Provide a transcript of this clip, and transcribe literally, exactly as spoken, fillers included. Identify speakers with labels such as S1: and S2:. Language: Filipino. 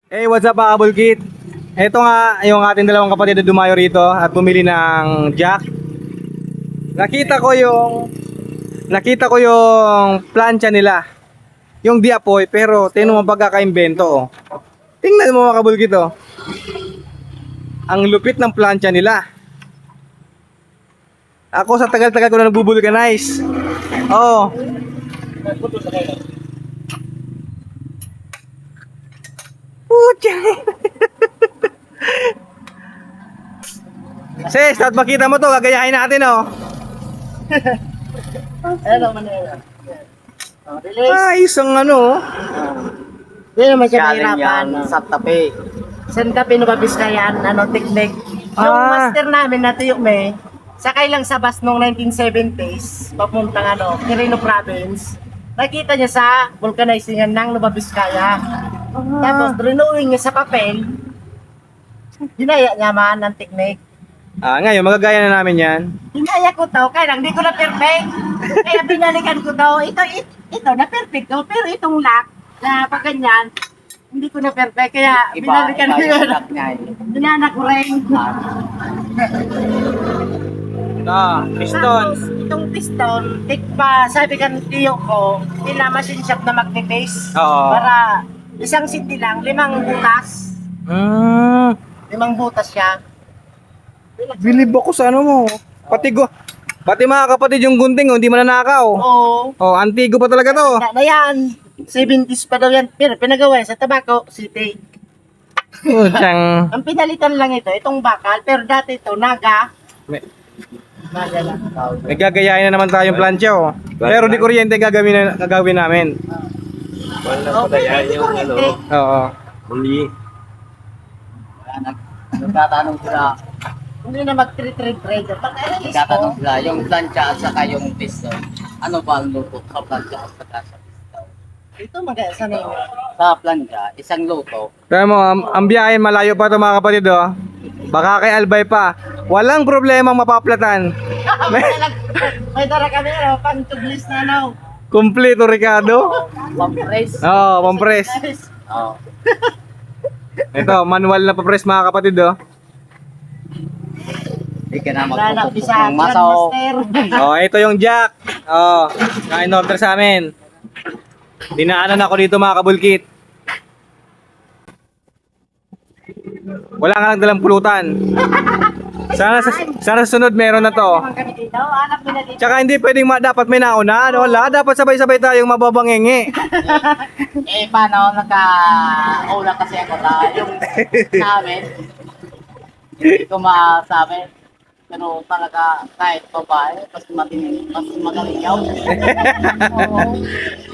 S1: Hey, what's up mga kabulkit? Ito nga yung ating dalawang kapatid na dumayo rito at bumili ng jack. Nakita ko yung Nakita ko yung plancha nila. Yung di apoy pero tingnan mo pagkakaimbento oh. Tingnan mo mga kabulkit oh. Ang lupit ng plancha nila. Ako sa tagal-tagal ko na nagbubulkanize. Oh. Pucha. Sis, dapat makita mo to, gagayahin natin oh.
S2: Ano man yun? Oh, release.
S1: Ah, isang ano oh.
S2: Hindi naman siya
S3: Galing
S2: mahirapan.
S3: yan sa tabi.
S2: San ka pinubabis na yan? Ano, technique. Yung
S1: Ah.
S2: master namin na tuyok may, sakay lang sa bus noong nineteen seventies, papuntang ano, Quirino Province. Nakita niya sa vulcanizing ng Nubabiskaya. Tapos, renewing niya sa papel. Ginaya niya man ng technique.
S1: Ah, ngayon magagaya na namin yan.
S2: Ginaya ko to, kaya lang, di ko na perfect. Kaya binalikan ko to, ito, ito, ito na perfect to, pero itong lock, na pag ganyan, hindi ko na perfect, kaya
S3: Iba,
S2: binalikan
S3: iba
S2: ko
S3: yung
S2: yun.
S3: lock niya. eh.
S2: Binana ko rin.
S1: Ah, piston.
S2: Tapos, itong piston, tik pa, sabi ka ng tiyo ko, pila machine shop na magpipis.
S1: Oo.
S2: Para isang city lang, limang butas.
S1: Mm,
S2: Limang butas siya.
S1: bilib ako sa ano mo. Pati go. Pati mga kapatid yung gunting oh, hindi mananakaw.
S2: Oo.
S1: Oh, antigo pa talaga to.
S2: Na, na yan. seventies pa daw yan. Pero pinagawa yan sa Tabaco City.
S1: Puchang.
S2: Ang pinalitan lang ito, itong bakal. Pero dati ito, naga.
S1: May,
S2: Naga lang.
S1: may gagayahin na naman tayong plancha oh. Pero di kuryente gagawin na, gagawin namin.
S2: Oh, pwede kuryente.
S1: Oo.
S3: Huli. Kaya nag, nagtatanong sila,
S2: Hindi na mag-trade-trade. Pag-alis
S3: nagtatanong
S2: ko,
S3: sila, yung plancha at saka yung piston. Ano ba ang luto sa plancha at saka sa piston?
S2: ito mag- sa name.
S3: Sa plancha, isang luto.
S1: Kaya mo, ang, ang biyahe malayo pa to mga kapatid oh. Baka kay Albay pa. Walang problemang mapaplatan.
S2: may, may dara kami, ano, pang tublis na, no?
S1: Kompleto Ricardo.
S3: Pampress.
S1: Oo, pampres.
S3: Oo.
S1: Ito, manual na pampres mga kapatid oh.
S3: Hindi ka na
S2: Lalap
S3: magpupupok
S2: sa
S3: ng masaw.
S2: Grandmaster.
S1: Oh, ito yung jack. Oh, na in-order sa amin. Dinaanan ako dito mga kabulkit. Wala nga lang dalang pulutan. Sana sa, sana sa sunod meron na to.
S2: Naman kami dito, anak mo na dito.
S1: Tsaka hindi pwedeng ma, dapat may nauna. Ano, wala, dapat sabay-sabay tayong mababangengi.
S3: Eh, paano? Nagka-ula kasi ako na yung namin. Hindi ko masabi. Pero talaga kahit babae, mas matindi, mas magaling yaw.
S2: Oo.